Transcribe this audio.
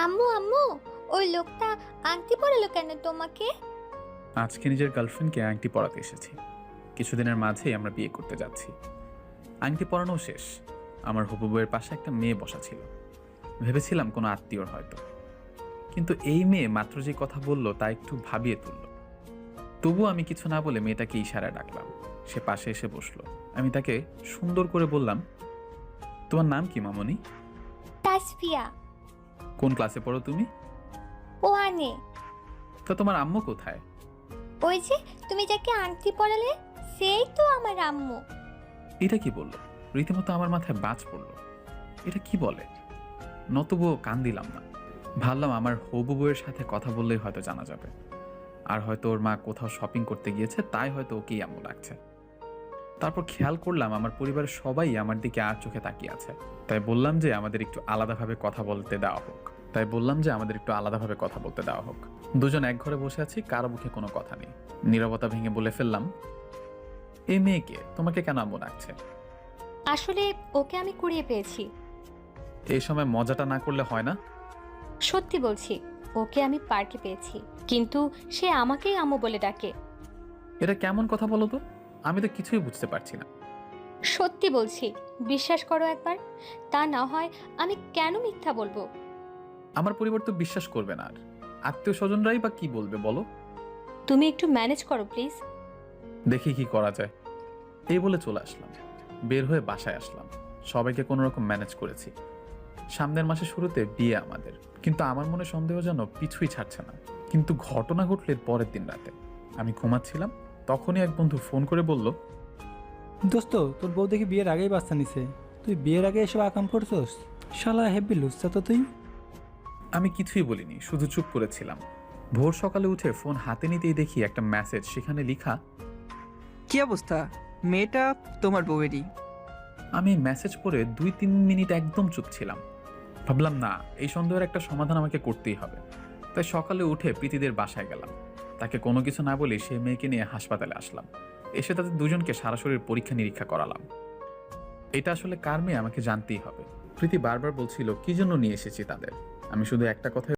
আম্মু আম্মু, ওই লোকটা আংটি পরালো কেন তোমাকে? আজকে নিজের গার্লফ্রেন্ডকে আংটি পরাতে এসেছি। কিছুদিনের মাঝেই আমরা বিয়ে করতে যাচ্ছি। আংটি পরানো শেষ। আমার হবু বউয়ের পাশে একটা মেয়ে বসা ছিল। ভেবেছিলাম কোনো আত্মীয়র হয়তো, কিন্তু এই মেয়ে মাত্র যে কথা বলল তা একটু ভাবিয়ে তুলল। তবু আমি কিছু না বলে মেয়েটাকে ইশারায় ডাকলাম। সে পাশে এসে বসলো। আমি তাকে সুন্দর করে বললাম, তোমার নাম কি মামনি? তাসফিয়া। কোন ক্লাসে পড়ো তুমি? ওয়ানে। তো তোমার আম্মু কোথায়? ওই যে তুমি যাকে আংটি পরালে, সেই তো আমার আম্মু। এটা কি বললো? রীতিমতো আমার মাথায় বাজ পড়লো। এটা কি বলে? নতবুও কান দিলাম না। ভাবলাম আমার হবু বউয়ের সাথে কথা বললেই হয়তো জানা যাবে। আর হয়তো ওর মা কোথাও শপিং করতে গিয়েছে, তাই হয়তো ওকেই আম্মু লাগছে। তারপর খেয়াল করলাম আমার পরিবারের সবাই আমার দিকে আর চোখে তাকিয়ে আছে। তাই বললাম যে আমাদের একটু আলাদাভাবে কথা বলতে দেওয়া হোক। দুজন এক ঘরে বসে আছি, কারো মুখে কোনো কথা নেই। নীরবতা ভেঙে বলে ফেললাম, এই মেয়েকে তোমাকে কেন আম্মু ডাকছে? আসলে ওকে আমি কুড়িয়ে পেয়েছি। এই সময় মজাটা না করলে হয় না? সত্যি বলছি, ওকে আমি পার্কে পেয়েছি, কিন্তু সে আমাকেই আম্মু বলে ডাকে। এটা কেমন কথা বলো তো? আমি তো কিছুই বুঝতে পারছি না। সত্যি বলছি, বিশ্বাস করো একবার। তা না হয় আমি কেন মিথ্যা বলবো? আমার পরিবার তো বিশ্বাস করবে না, আর আত্মীয় স্বজনরাই বা কি বলবে বলো? তুমি একটু ম্যানেজ করো প্লিজ। দেখি কি করা যায়। এই বলে চলে আসলাম। বের হয়ে বাসায় আসলাম। সবাইকে কোনো রকম ম্যানেজ করেছি। সামনের মাসে শুরুতে বিয়ে আমাদের, কিন্তু আমার মনে সন্দেহ যেন পিছুই ছাড়ছে না। কিন্তু ঘটনা ঘটলে পরের দিন রাতে আমি ঘুমাচ্ছিলাম, তখনই এক বন্ধু ফোন করে বলল, দোস্ত, তোর বউ দেখি বিয়ের আগেই বাচ্চা নিছে। তুই বিয়ের আগে এসব আকাম করছস? শালা হেব্বি লুচ্চা তো তুই। আমি কিছুই বলিনি, শুধু চুপ করেছিলাম। ভোর সকালে উঠে ফোন হাতে নিতেই দেখি একটা মেসেজ, সেখানে লেখা, কি অবস্থা? মেয়েটা তোমার বউয়েরই। আমি মেসেজ পড়ে 2-3 মিনিট একদম চুপ ছিলাম। ভাবলাম না, এই সন্দেহের একটা সমাধান আমাকে করতেই হবে। তাই সকালে উঠে প্রীতিদের বাসায় গেলাম। তাকে কোনো কিছু না বলে সেই মেয়েকে নিয়ে হাসপাতালে আসলাম। এসে তাদের দুজনকে সারা শরীর পরীক্ষা নিরীক্ষা করালাম। এটা আসলে কার মেয়ে আমাকে জানতেই হবে। প্রীতি বারবার বলছিল কি জন্য নিয়ে এসেছি তাদের। আমি শুধু একটা কথা